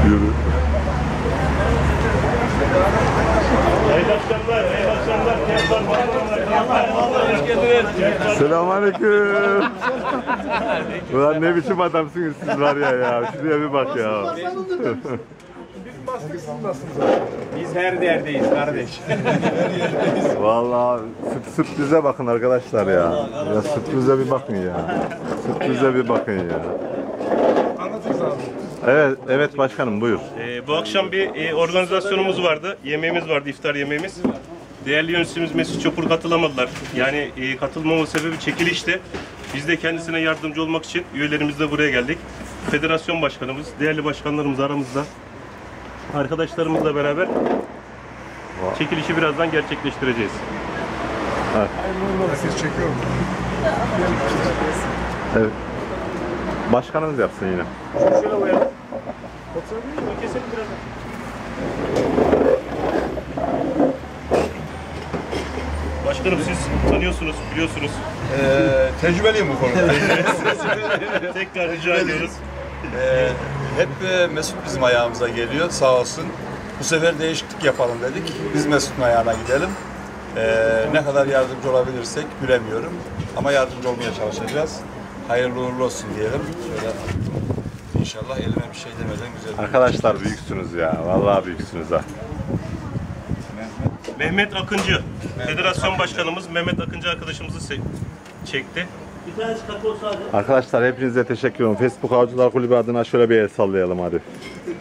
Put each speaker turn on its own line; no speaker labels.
Yürü. Selamünaleyküm. Ulan ne biçim adamsınız siz var ya. Şuraya bir bak ya.
Biz her yerdeyiz kardeş.
Vallahi sürprize bakın arkadaşlar ya. Ya sürprize bir bakın ya. Sürprize bir bakın ya. Evet, evet başkanım buyur.
Bu akşam bir organizasyonumuz vardı. Yemeğimiz vardı, iftar yemeğimiz. Değerli yöneticiimiz Mesut Çopur katılamadılar. Yani katılmama sebebi çekilişti. Biz de kendisine yardımcı olmak için üyelerimizle buraya geldik. Federasyon başkanımız, değerli başkanlarımız aramızda. Arkadaşlarımızla beraber çekilişi birazdan gerçekleştireceğiz.
Evet.
Herkes çekiyor mu?
Evet. Başkanımız yapsın yine.
Şöyle koyalım. Keselim birazdan. Başkanım siz tanıyorsunuz, biliyorsunuz.
Tecrübeliyim bu konuda.
Tekrar rica ediyoruz.
Hep Mesut bizim ayağımıza geliyor sağ olsun. Bu sefer değişiklik yapalım dedik. Biz Mesut'un ayağına gidelim. Ne kadar yardımcı olabilirsek bilemiyorum. Ama yardımcı olmaya çalışacağız. Hayırlı uğurlu olsun diyelim. Şöyle İnşallah elime bir şey demeden güzel.
Arkadaşlar büyüksünüz ya. Vallahi büyüksünüz ha.
Mehmet Akıncı, Federasyon Başkanımız Mehmet Akıncı arkadaşımızı çekti. Bir tanesi
Arkadaşlar hepinize teşekkür ederim. Facebook Avcılar Kulübü adına şöyle bir el sallayalım hadi.